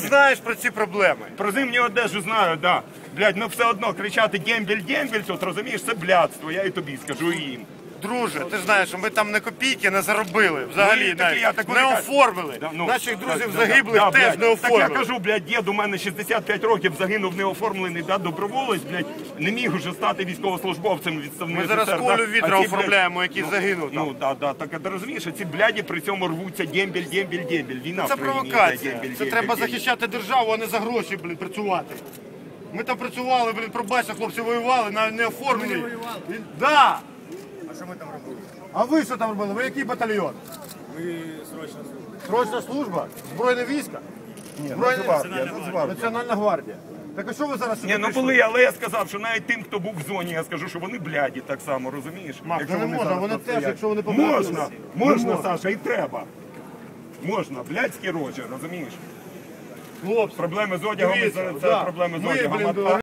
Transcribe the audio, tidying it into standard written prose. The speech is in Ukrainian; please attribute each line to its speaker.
Speaker 1: знаєш про ці проблеми?
Speaker 2: Про зимню одежу знаю, да. Блядь, ну все одно кричати дембель, тут розумієш, це блядство, я і тобі скажу, і їм.
Speaker 1: Друже, ти ж знаєш, що ми там не копійки не заробили, взагалі не оформили. Наших друзів загиблих теж не оформили.
Speaker 2: Так я кажу, блядь, дід у мене 65 років, загинув неоформлений, да, доброволець, блядь, не міг уже стати військовослужбовцем відставним.
Speaker 1: Ми зараз Колю Вітра оформляємо, який загинув там.
Speaker 2: Ну, так, ти розумієш, ці бляді при цьому рвуться дембель. Війна
Speaker 1: це провокація. Це треба захищати державу, а не за гроші, блін, працювати. Ми там працювали, блін, пробачте, хлопці воювали, не оформили. Ми не воювали? Да.
Speaker 3: А що ми там робили?
Speaker 1: А ви що там робили? Ви який батальйон?
Speaker 3: Ми срочна служба.
Speaker 1: Срочна служба? Збройне військо?
Speaker 2: Ні,
Speaker 1: Національна гвардія. Так а що ви зараз сюди
Speaker 2: Ні, ну
Speaker 1: прийшли?
Speaker 2: були, але я сказав, що навіть тим, хто був в зоні, я скажу, що вони бляді так само, розумієш?
Speaker 1: Якщо не можна,
Speaker 2: зараз
Speaker 1: вони
Speaker 2: тут
Speaker 1: теж,
Speaker 2: стоять.
Speaker 1: якщо вони помирають.
Speaker 2: Можна, Саша, і треба. Можна, блядські рожі, розумієш?
Speaker 1: Хлопці,
Speaker 2: Проблеми з одягом,
Speaker 1: дивіться,
Speaker 2: це проблеми з
Speaker 1: ми,
Speaker 2: одягом.
Speaker 1: блін,